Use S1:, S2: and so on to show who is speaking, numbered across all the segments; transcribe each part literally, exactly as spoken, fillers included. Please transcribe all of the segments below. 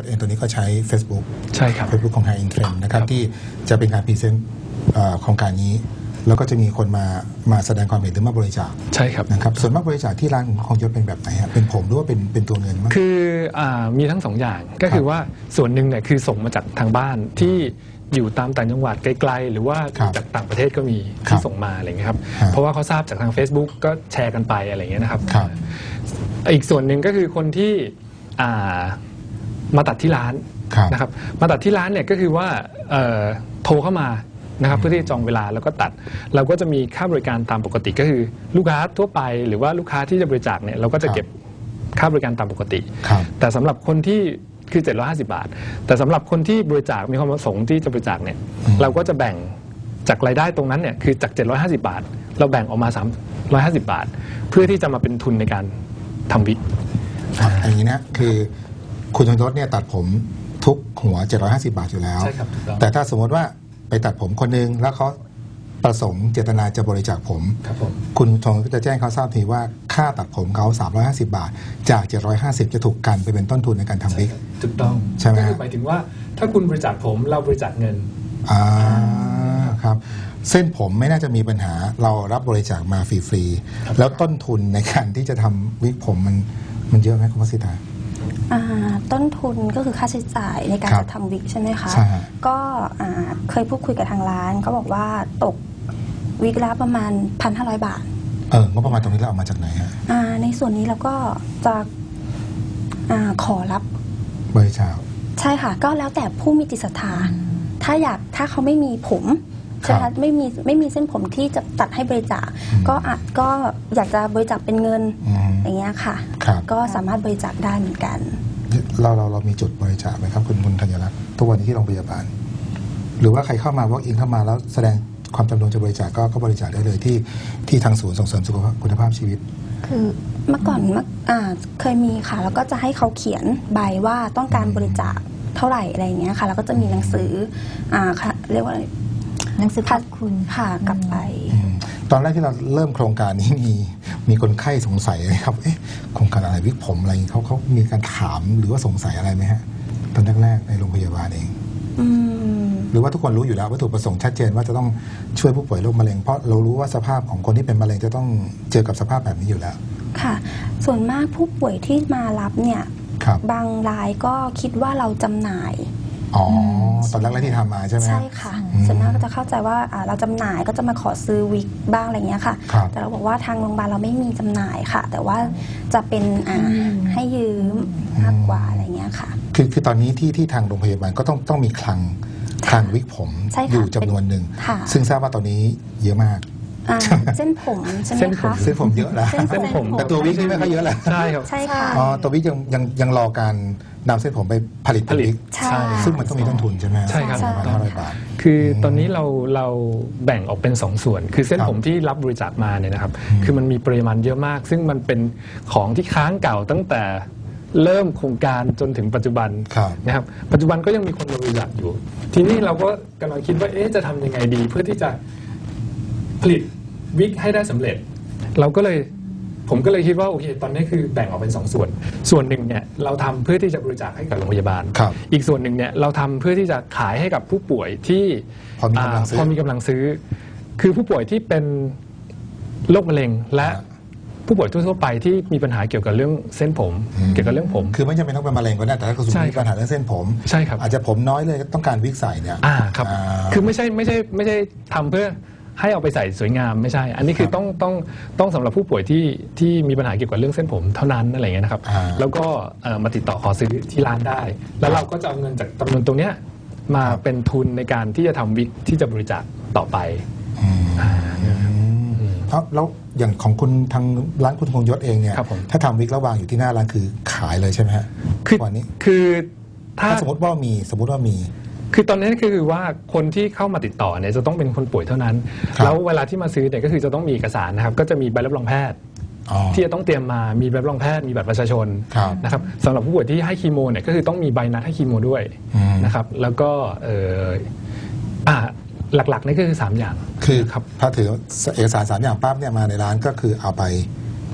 S1: เองตัวนี้ก็ใช้ Facebook
S2: ใช่ครับ
S1: Facebook ของ High End Trend นะครับที่จะเป็นการพรีเซนต์โครงการนี้แล้วก็จะมีคนมามาแสดงความเห็นหรือมาบริจาค
S2: ใช่ครับ
S1: นะครับส่วนมากบริจาคที่ร้านของของยศเป็นแบบไหนฮะเป็นผมหรือว่าเป็นเป็นตัวเงินมั้ง
S2: คืออ่ามีทั้งสองอย่างก็คือว่าส่วนหนึ่งเนี่ยคือส่งมาจากทางบ้านที่อยู่ตามต่างจังหวัดไกลๆหรือว่าจากต่างประเทศก็มีที่ส่งมาอะไรเงี้ยครับเพราะว่าเขาทราบจากทาง Facebook ก็แชร์กันไปอะไรเงี้ยนะครับอีกส่วนหนึ่งก็คือคนที่อ่ามาตัดที่ร้านนะครับมาตัดที่ร้านเนี่ยก็คือว่าโทรเข้ามานะครับเพื่อที่จะจองเวลาแล้วก็ตัดเราก็จะมีค่าบริการตามปกติก็คือลูกค้าทั่วไปหรือว่าลูกค้าที่จะบริจาคเนี่ยเราก็จะเก็บค่าบริการตามปกติแต่สำหรับคนที่คือเจ็ดร้อยห้าสิบบาทแต่สำหรับคนที่บริจาคมีความประสงค์ที่จะบริจาคเนี่ยเราก็จะแบ่งจากรายได้ตรงนั้นเนี่ยคือจากเจ็ดร้อยห้าสิบบาทเราแบ่งออกมาสามร้อยห้าสิบบาทเพื่อที่จะมาเป็นทุนในการทำวิก
S1: อย่างนี้นะคือคุณธนยศเนี่ยตัดผมทุกหัวเจ็ดร้อยห้าสิบบาทอยู่แล้วแต่ถ้าสมมติว่าไปตัดผมคนนึงแล้วเขาประสงค์เจตนาจะบริจาคผมคุณธนก็จะแจ้งเขาทราบทีว่าค่าตัดผมเขาสามร้อยห้าสิบบาทจากเจ็ดร้อยห้าสิบจะถูกกันไปเป็นต้นทุนในการทำวิก
S2: ถูกต้อง
S1: ใช่ไหม
S2: ก็คือหมายถึงว่าถ้าคุณบริจาคผมเราบริจาคเงิน
S1: อ่าครับเส้นผมไม่น่าจะมีปัญหาเรารับบริจาคมาฟรีๆแล้วต้นทุนในการที่จะทำวิกผมมันมันเยอะไหมคุณพัชริตา
S3: ต้นทุนก็คือค่าใช้จ่ายในการจะทำวิกใช่ไหมคะก็เคยพูดคุยกับทางร้านเขาบอกว่าตกวิกละประมาณ หนึ่งพันห้าร้อย บาท
S1: เอองบประมาณตรงนี้เราเอามาจากไหนฮะ
S3: ในส่วนนี้เราก็จะขอรับบ
S1: ริจาค
S3: ใช่ค่ะก็แล้วแต่ผู้มีจิตศรัทธาถ้าอยากถ้าเขาไม่มีผมใช่ไหมคะไม่มีไม่มีเส้นผมที่จะตัดให้บริจาคก็อาจก็อยากจะบริจาคเป็นเงินอย่างเงี้ยค่ะก็สามารถบริจาคได้เหมือนกัน
S1: เราเราเรามีจุดบริจาคไหมครับคุณคุณธัญรัตน์ทุกวันนี้ที่โรงพยาบาลหรือว่าใครเข้ามา walk in เข้ามาแล้วแสดงความจำนงจะบริจาคก็ก็บริจาคได้เลยที่ที่ทางศูนย์ส่งเสริมสุขภาพคุณภาพชีวิต
S3: คือเมื่อก่อนเมื่อเคยมีค่ะแล้วก็จะให้เขาเขียนใบว่าต้องการบริจาคเท่าไหร่อะไรอย่างเงี้ยค่ะแล้วก็จะมีหนังสืออ่าเรียกว่า
S4: หนังสือขอบคุณ
S3: ค่ะกลับไป
S1: ตอนแรกที่เราเริ่มโครงการนี้มีมีคนไข้สงสัยเลยครับเอ๊ะโครงการอะไรวิกผมอะไรเขาเขามีการถามหรือว่าสงสัยอะไรไหมฮะตอนแรกๆในโรงพยาบาลเองหรือว่าทุกคนรู้อยู่แล้ววัตถุประสงค์ชัดเจนว่าจะต้องช่วยผู้ป่วยโรคมะเร็งเพราะเรารู้ว่าสภาพของคนที่เป็นมะเร็งจะต้องเจอกับสภาพแบบนี้อยู่แล้ว
S3: ค่ะส่วนมากผู้ป่วยที่มารับเนี่ยบางรายก็คิดว่าเราจำหน่าย
S1: อ๋อตอนแรกๆที่ทำมาใช่ไหม
S3: ใช่ค่ะส่วนมากก็จะเข้าใจว่าเราจำหน่ายก็จะมาขอซื้อวิกบ้างอะไรเงี้ยค่ะแต่เราบอกว่าทางโรงพยาบาลเราไม่มีจำหน่ายค่ะแต่ว่าจะเป็นให้ยืมมากกว่าอะไรเงี้ยค่ะ
S1: คือคือตอนนี้ที่ที่ทางโรงพยาบาลก็ต้องต้องมีคลังคลังวิกผมอยู่จำนวนหนึ่งซึ่งทราบว่าตอนนี้เยอะมาก
S3: เส้นผมใช่ไหมคะ
S1: เส้นผมเยอะแล้ว
S3: เส้นผม
S1: แต่ตัววิกนี่ไม่ค่อยเยอะแล้ว
S2: ใช่ครับ
S3: ใช่ค่ะ
S1: อ๋อตัววิกยังยังยังรอการนำเส้นผมไปผลิตผลิตซึ่งมันต้องมีต้นทุนใช่ไหม
S2: ใช่ครับ
S1: ประมาณห้าร้อยบาท
S2: คือตอนนี้เราเราแบ่งออกเป็นสองส่วนคือเส้นผมที่รับบริจาคมาเนี่ยนะครับคือมันมีปริมาณเยอะมากซึ่งมันเป็นของที่ค้างเก่าตั้งแต่เริ่มโครงการจนถึงปัจจุบันนะครับปัจจุบันก็ยังมีคนบริจาคอยู่ทีนี้เราก็กำลังคิดว่าเอ๊ะจะทำยังไงดีเพื่อที่จะผลิตวิกให้ได้สำเร็จเราก็เลยผมก็เลยคิดว่าโอเคตอนนี้คือแบ่งออกเป็นสองส่วนส่วนหนึ่งเนี่ยเราทำเพื่อที่จะบริจาคให้กับโรงพยาบาลอีกส่วนหนึ่งเนี่ยเราทำเพื่อที่จะขายให้กับผู้ป่วยที่
S1: พอมีกำลังซื้อ
S2: พอมีกำลังซื้อคือผู้ป่วยที่เป็นโรคมะเร็งและผู้ป่วยทั่วไปที่มีปัญหาเกี่ยวกับเรื่องเส้นผมเกี่ยวกับเรื่องผม
S1: คือไม่จำเป็นต้องเป็นมะเร็งก็ได้แต่ถ้าคุณมีปัญหาเรื่องเส้นผม
S2: ใช่ครับ
S1: อาจจะผมน้อยเลยต้องการวิกใส่เนี่ย
S2: อ่าครับคือไม่ใช่ไม่ใช่ไม่ใช่ทำเพื่อให้เอาไปใส่สวยงามไม่ใช่อันนี้คือต้องต้องต้องสำหรับผู้ป่วยที่ที่มีปัญหาเกี่ยวกับเรื่องเส้นผมเท่านั้นอะไรเงี้ยนะครับแล้วก็มาติดต่อขอซื้อที่ร้านได้แล้วเราก็จะเอาเงินจากจำนวนตรงเนี้ยมาเป็นทุนในการที่จะทำวิกที่จะบริจาคต่อไป
S1: แล้วอย่างของคุณทางร้านคุณธงยศเองเนี่ยถ้าทำวิกแล้ววางอยู่ที่หน้าร้านคือขายเลยใช่ไหมฮะ
S2: คือ
S1: วันนี้
S2: คือ
S1: ถ้าสมมติว่ามีสมมติว่ามี
S2: คือตอนนี้คือว่าคนที่เข้ามาติดต่อเนี่ยจะต้องเป็นคนป่วยเท่านั้นแล้วเวลาที่มาซื้อเนี่ยก็คือจะต้องมีเอกสารนะครับก็จะมีใบรับรองแพทย์ที่จะต้องเตรียมมามีใบรับรองแพทย์มีบัตรประชาชนนะครับสำหรับผู้ป่วยที่ให้คีโมเนี่ยก็คือต้องมีใบนัดให้คีโมด้วยนะครับแล้วก็เอออ่าหลักๆนี่ก็คือสามอย่าง
S1: คือครับถ้าถือเอกสารสามอย่างปั๊บเนี่ยมาในร้านก็คือเอาไป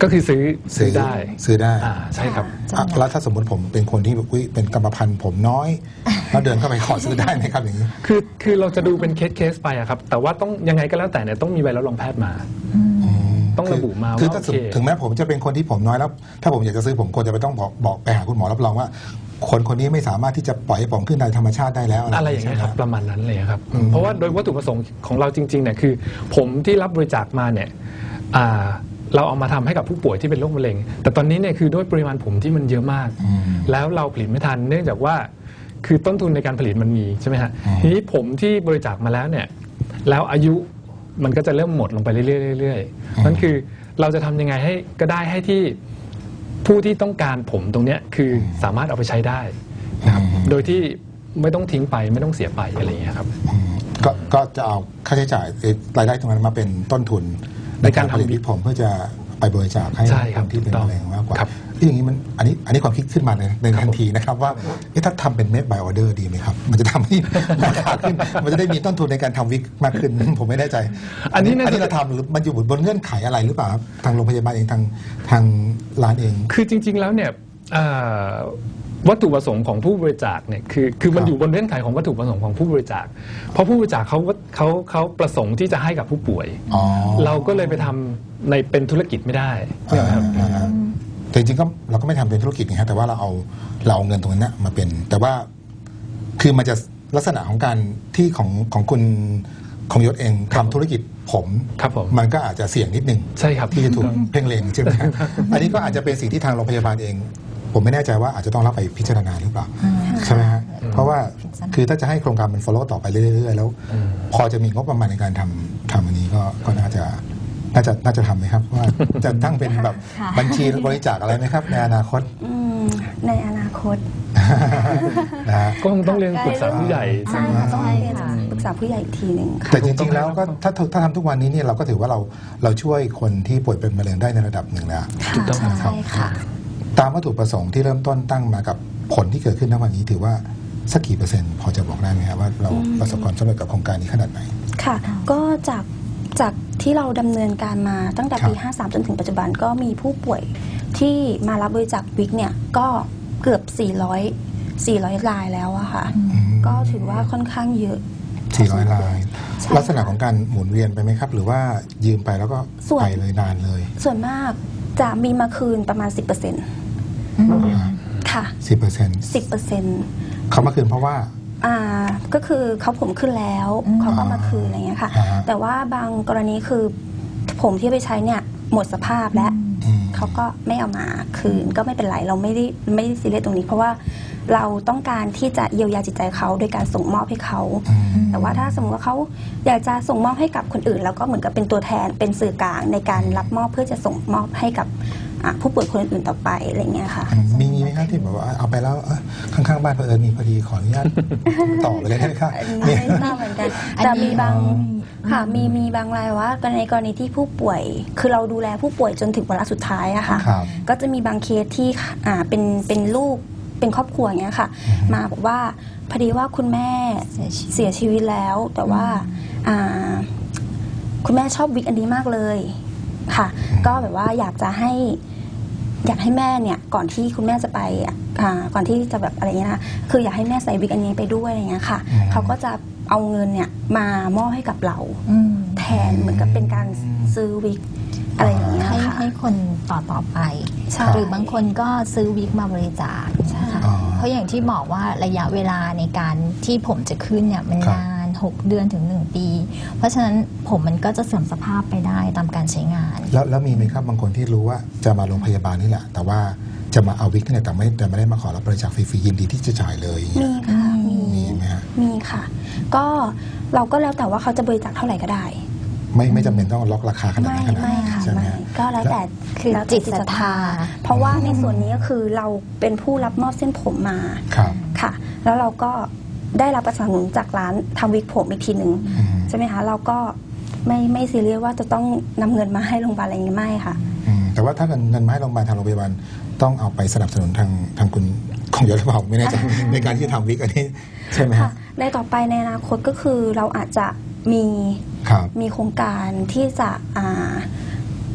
S2: ก็คือซื้อซื้อได้
S1: ซื้อได้
S2: อ่าใช่ครับ
S1: อ่ะแล้วถ้าสมมติผมเป็นคนที่อุ๊ยเป็นกรรมพันธุ์ผมน้อยแล้วเดินเข้าไปขอซื้อได้ไหมครับอย่างนี้
S2: คือคือเราจะดูเป็นเคสเคสไปอะครับแต่ว่าต้องยังไงก็แล้วแต่เนี่ยต้องมีใบรับรองแพทย์มา ต้องระบุมา
S1: คือ
S2: ว่า
S1: ถ้า
S2: โอเค
S1: ถึงแม้ผมจะเป็นคนที่ผมน้อยแล้ว ถ้าผมอยากจะซื้อผมควรจะไปต้องบอกบอกไปหาคุณหมอรับรองว่า คนคนนี้ไม่สามารถที่จะปล่อยให้ผมขึ้นในธรรมชาติได้แล้ว
S2: อะไรอย่างเงี้ยครับ
S1: ใช่ไหม
S2: ประมาณนั้นเลยครับอืมเพราะว่าโดยวัตถุประสงค์ของเราจริงๆเนี่ยคือ ผมที่รับบริจาคมาเนี่ยอ่าเราเอามาทำให้กับผู้ป่วยที่เป็นโรคมะเร็ง แต่ตอนนี้เนี่ยคือด้วยปริมาณผมที่มันเยอะมาก แล้วเราผลิตไม่ทันเนื่องจากว่าคือต้นทุนในการผลิตมันมีใช่ไหมฮะทีนี้ผมที่บริจาคมาแล้วเนี่ยแล้วอายุมันก็จะเริ่มหมดลงไปเรื่อยๆเรื่อยๆนั่นคือเราจะทำยังไงให้ก็ได้ให้ที่ผู้ที่ต้องการผมตรงเนี้ยคือสามารถเอาไปใช้ได้นะครับโดยที่ไม่ต้องทิ้งไปไม่ต้องเสียไปอะไรอย่างเงี้ยครับ
S1: อืมก็ก็จะเอาค่าใช้จ่ายเอ่อรายได้ตรงนั้นมาเป็นต้นทุน
S2: ในการ
S1: ผลิต
S2: ทำ
S1: วิกผมเพื่อจะไปบริจาคให้
S2: ใช่ค
S1: ครับ นที่เป็น
S2: ถูกต้อง
S1: มะเร็งมากกว่า
S2: ครับ
S1: ที่อย่างนี้มันอันนี้อันนี้ความคิดขึ้นมาในในทันทีนะครับว่าเอ๊ะถ้าทำเป็นเมดบายออเดอร์ดีไหมครับ มันจะทำให้ ราคาขึ้น มันจะได้มีต้นทุนในการทำวิกมากขึ้น ผมไม่แน่ใจ
S2: อันนี้น่าจะ
S1: อันนี้เราทำหรือมันอยู่บนเงื่อนไขอะไรหรือเปล่าครับทางโรงพยาบาลเองทางทางร้านเอง
S2: คือจริง ๆ แล้วเนี่ยเอ่อวัตถุประสงค์ของผู้บริจาคเนี่ยคือคือมัน
S1: ครับ
S2: อยู่บนเงื่อนไขของวัตถุประสงค์ของผู้บริจาคเพราะผู้บริจาคเขาเขาเขาประสงค์ที่จะให้กับผู้ป่วย
S1: อ๋อ
S2: เราก็เลยไปทำในเป็นธุรกิจไม่ได้
S1: อ่าอ่าอ่าแต่จริงๆก็เราก็ไม่ทำเป็นธุรกิจนะครับแต่ว่าเราเอาเราเอาเงินตรงนั้นนะมาเป็น แต่ว่าคือมันจะลักษณะของการที่ของของคุณของยศเองทำธุรกิจผม
S2: ครับผม
S1: มันก็อาจจะเสี่ยงนิดนึง
S2: ใช่ครับ
S1: ที่จะถูกเพ่งเล็งใช่ไหมครับ อันนี้ก็อาจจะเป็นสิ่งที่ทางโรงพยาบาลเอง ผมไม่แน่ใจว่าอาจจะต้องรับไปพิจารณาหรือเปล่าใช่ไหมฮะเพราะว่าคือถ้าจะให้โครงการมัน follow ต่อไปเรื่อยๆแล้ว พอจะมีงบประมาณในการทำทำอันนี้ก็ก็น่าจะน่าจะน่าจะทำไหมครับว่าจะตั้งเป็นแบบ
S4: ค่ะ
S1: บัญชีบริจาคอะไรไหมครับ ในอนาคต
S3: อืมในอนาคต
S1: นะฮะ
S2: ก็คงต้องเรียนปรึกษาผู้ใหญ่
S3: ใช่ค่ะต้อง
S4: ใช่
S3: เรียน
S4: ค่ะ
S3: ปรึกษาผู้ใหญ่อีกทีหนึ่งค่ะ
S1: แต่จริงๆแล้วก็ถ้าถ้าทำทุกวันนี้เนี่ยเราก็ถือว่าเราเราช่วยคนที่ป่วยเป็นมะเร็งได้ในระดับหนึ่งแล้ว
S2: ถูกต้อง
S3: ค่ะ
S2: ครับ
S3: ใช่ค่ะ
S1: ตามวัตถุประสงค์ที่เริ่มต้นตั้งมากับผลที่เกิดขึ้นณวันนี้ถือว่าสักกี่เปอร์เซ็นต์พอจะบอกได้ไหมครับว่าเราประสบความสำเร็จกับโครงการนี้ขนาดไหน
S3: ค่ะ ก็จากจากที่เราดำเนินการมาตั้งแต่ปี
S1: ครับ
S3: ห้าสาม จนถึงปัจจุบันก็มีผู้ป่วยที่มารับบริจาควิกเนี่ยก็เกือบ สี่ร้อย สี่ร้อย รายแล้วอะค่ะ ก็ถือว่าค่อนข้างเยอะ
S1: สี่ร้อยราย
S3: ใช่
S1: ลักษณะของการหมุนเวียนไปไหมครับ หรือว่ายืมไปแล้วก็
S3: ส่วน
S1: ไปเลยนานเลย
S3: ส่วนมากจะมีมาคืนประมาณ สิบเปอร์เซ็นต์ ค่ะ
S1: สิบเปอร์เซ็นต์
S3: สิบเปอร์เซ็นต์
S1: เขามาคืนเพราะว่า
S3: อ่าก็คือเขาผมขึ้นแล้ว
S4: อืม
S3: เขาก็มาคืนอะไรเงี้ยค่ะ
S1: อ่าฮะ
S3: แต่ว่าบางกรณีคือผมที่ไปใช้เนี่ยหมดสภาพแล้ว
S1: อืม
S3: เขาก็ไม่เอามาคืนก็ไม่เป็นไรเราไม่ได้ไม่ได้ซีเรียสตรงนี้ เพราะว่าเราต้องการที่จะเยียวยาจิตใจเขาโดยการส่งมอบให้เขา
S1: อืม
S3: แต่ว่าถ้าสมมติว่าเขาอยากจะส่งมอบให้กับคนอื่น แล้วก็เหมือนกับเป็นตัวแทนเป็นสื่อกลางในการรับมอบเพื่อจะส่งมอบให้กับอ่ะผู้ป่วยคนอื่นๆต่อไปอะไรเงี้ยค่ะ
S1: มีมีไหมครับที่แบบว่าเอาไปแล้วเอ้ยข้างๆบ้านเผอิญมีพอดีขออนุญาต ต่อไปเลยได้ไหมครับ
S3: อัน
S1: มี
S3: นี้ไม่ทราบเหมือนกัน
S4: อันนี้
S3: แต่มีบางค่ะมีมีบางรายว่าในกรณีที่ผู้ป่วย คือเราดูแลผู้ป่วยจนถึงวาระสุดท้ายอะค่ะ
S1: ครับ
S3: ก็จะมีบางเคสที่อ่าเป็นเป็นลูกเป็นครอบครัวอย่างเงี้ยค่ะ มาบอกว่าพอดีว่าคุณแม่
S4: เสียชีวิต
S3: เสียชีวิตแล้ว แต่ว่าอ่าคุณแม่ชอบวิกอันนี้มากเลยค่ะ ก็แบบว่าอยากจะให้ อยากให้แม่เนี่ยก่อนที่คุณแม่จะไปอ่ะอ่าก่อนที่จะแบบอะไรเงี้ยนะคืออยากให้แม่ใส่วิกอันนี้ไปด้วยอะไรเงี้ยค่ะ
S1: อืม
S3: เขาก็จะเอาเงินเนี่ยมามอบให้กับเรา
S4: อืม
S3: แทนเหมือนกับเป็นการซื้อวิกอะไรอย่างเงี้ย
S4: ให้
S3: ค่ะ
S4: ให้คนต่อต่อไป
S3: ใช่
S4: หรือบางคนก็ซื้อวิกมาบริจาคนะคะ
S1: อ๋อ
S4: เพราะอย่างที่บอกว่าระยะเวลาในการที่ผมจะขึ้นเนี่ยมัน
S1: ครับ
S4: นานหกเดือนถึงหนึ่งปี เพราะฉะนั้นผมมันก็จะเสื่อมสภาพไปได้ตามการใช้งาน
S1: แล้วแล้วมีไหมครับบางคนที่รู้ว่าจะมาโรงพยาบาลนี่แหละ แต่ว่าจะมาเอาวิกนี่แหละแต่ไม่แต่ไม่ได้มาขอรับบริจาคฟรีๆยินดีที่จะจ่ายเลยอย่างเงี้
S3: มี
S1: ย
S3: ค่ะมี
S1: มีไหมฮะ
S3: มีค่ะ ก็เราก็แล้วแต่ว่าเขาจะบริจาคเท่าไหร่ก็ได้
S1: ไม่ไม่จำเป็นต้องล็อกราคาขนาด
S3: ไม่
S1: นั้นขนาด
S3: ไม่
S1: นั้น
S3: ค่ะ
S1: ใช่ไหม
S3: ไม่
S1: ฮะ
S3: ก็แล้วแต่
S4: คือ
S3: แล้วแต่
S4: จิตศรัทธา
S3: เพราะว่าในส่วนนี้ก็คือเราเป็นผู้รับมอบเส้นผมมา
S1: ครับ
S3: ค่ะ แล้วเราก็ได้รับประสานหนุนจากร้านทำวิกผมอีกทีหนึ่ง
S1: อืม
S3: ใช่ไหมคะ เราก็ไม่ไม่ซีเรียสว่าจะต้องนำเงินมาให้โรงพยาบาลอะไรอย่างนี้ไม่ค่ะ
S1: อืมแต่ว่าถ้าเงินเงินมาให้โรงพยาบาลทางโรงพยาบาลต้องเอาไปสนับสนุนทางทางคุณของยศหรือเปล่าไม่แน่ใจ ในการที่จะทำวิกอันนี้ใช่ไหม
S3: ค่ะ
S1: ฮะ
S3: ในต่อไปในอนาคตก็คือเราอาจจะมี
S1: ครับ
S3: มีโครงการที่จะอ่า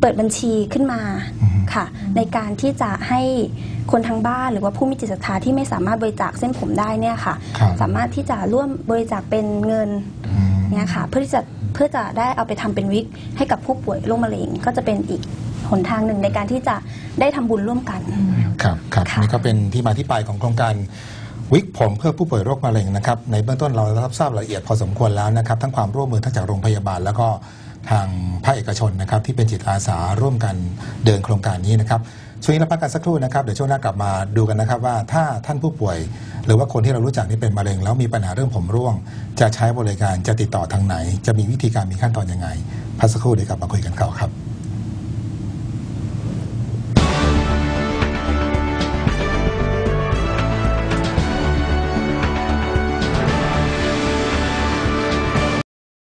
S3: เปิดบัญชีขึ้นมาค่ะในการที่จะให้คนทางบ้านหรือว่าผู้มีจิตศรัทธาที่ไม่สามารถบริจาคเส้นผมได้เนี่ยค่ะสามารถที่จะร่วมบริจาคเป็นเงินเนี่ยค่ะเพื่อที่จะเพื่อจะได้เอาไปทำเป็นวิกให้กับผู้ป่วยโรคมะเร็งก็จะเป็นอีกหนทางหนึ่งในการที่จะได้ทำบุญร่วมกัน
S1: ครับครับนี่ก็เป็นที่มาที่ไปของโครงการวิกผมเพื่อผู้ป่วยโรคมะเร็งนะครับในเบื้องต้นเรารับทราบรายละเอียดพอสมควรแล้วนะครับทั้งความร่วมมือทั้งจากโรงพยาบาลแล้วก็ทางภาคเอกชนนะครับที่เป็นจิตอาสาร่วมกันเดินโครงการนี้นะครับช่วงนี้เราพักกันสักครู่นะครับเดี๋ยวช่วงหน้ากลับมาดูกันนะครับว่าถ้าท่านผู้ป่วยหรือว่าคนที่เรารู้จักที่เป็นมะเร็งแล้วมีปัญหาเรื่องผมร่วงจะใช้บริการจะติดต่อทางไหนจะมีวิธีการมีขั้นตอนยังไงพักสักครู่เดี๋ยวกลับมาคุยกันต่อครับ